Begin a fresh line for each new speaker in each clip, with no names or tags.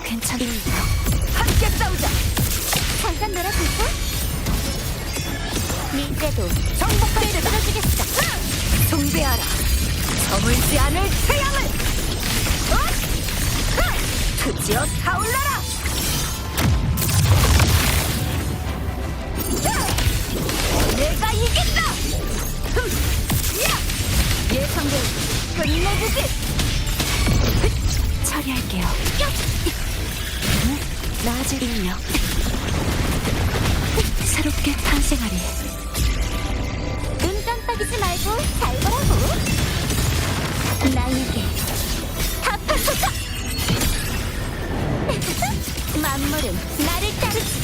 괜찮습니다.
함께 싸우자.
잠깐 놀아줄까? 이제도
정복할 때다.
들어주겠어.
숭배하라. 저물지 않을 태양을. 드디어 타올라라. 내가 이긴다. 예상대로 끝내주지.
처리할게요. 나아질 인력. 새롭게 탄생하리. 눈 깜빡이지 말고 잘 보라고. 나에게 갚아서자. 만물은 나를 따르지.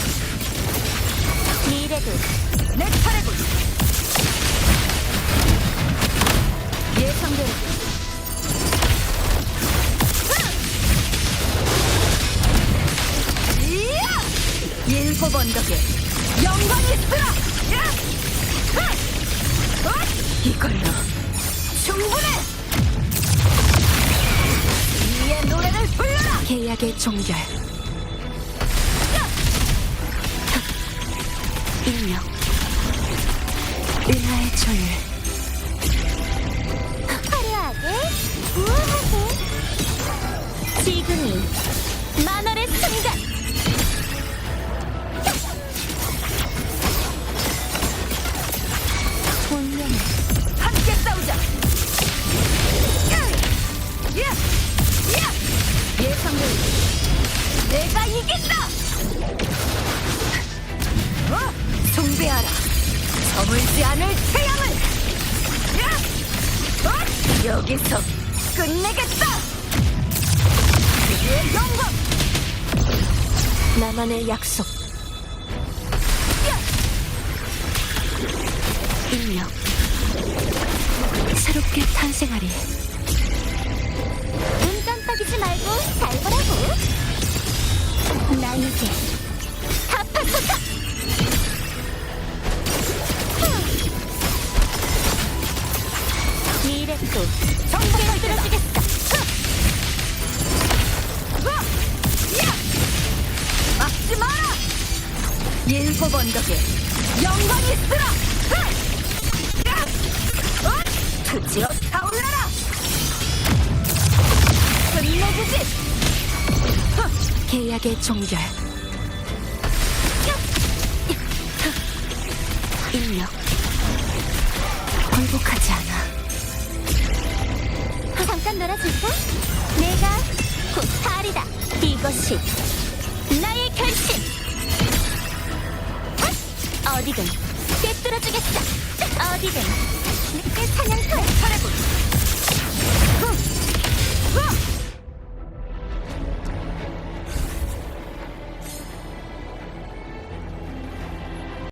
미래도
내 차례군. 예상대로. 일곱 언덕에 영광이 있으라. 이걸로 충분해. 이의 노래를 불러라.
계약의 종결. 인력. 은하의 조율. 화려하게, 우아하게. 지금이 만월의 순간. 운명을
함께 싸우자. 예상대로 내가 이긴다. 숭배하라. 저물지 않을 태양을. 여기서 끝내겠다. 그의 영광.
나만의 약속. 인력. 새롭게 탄생하리. 눈 깜빡이지 말고 잘 보라고. 나에게 갚아서자. 미래도 정복을 들어주겠어.
막지 마라. 일곱 언덕에 영광이 있으라. 드디어 타올라라. 끝내주지.
계약의 종결. 인력. 굴복하지 않아. 잠깐 놀아줄까? 내가 곧 달이다. 이것이 나의 결심. 어디든 꿰뚫어주겠어. 어디든 내 사냥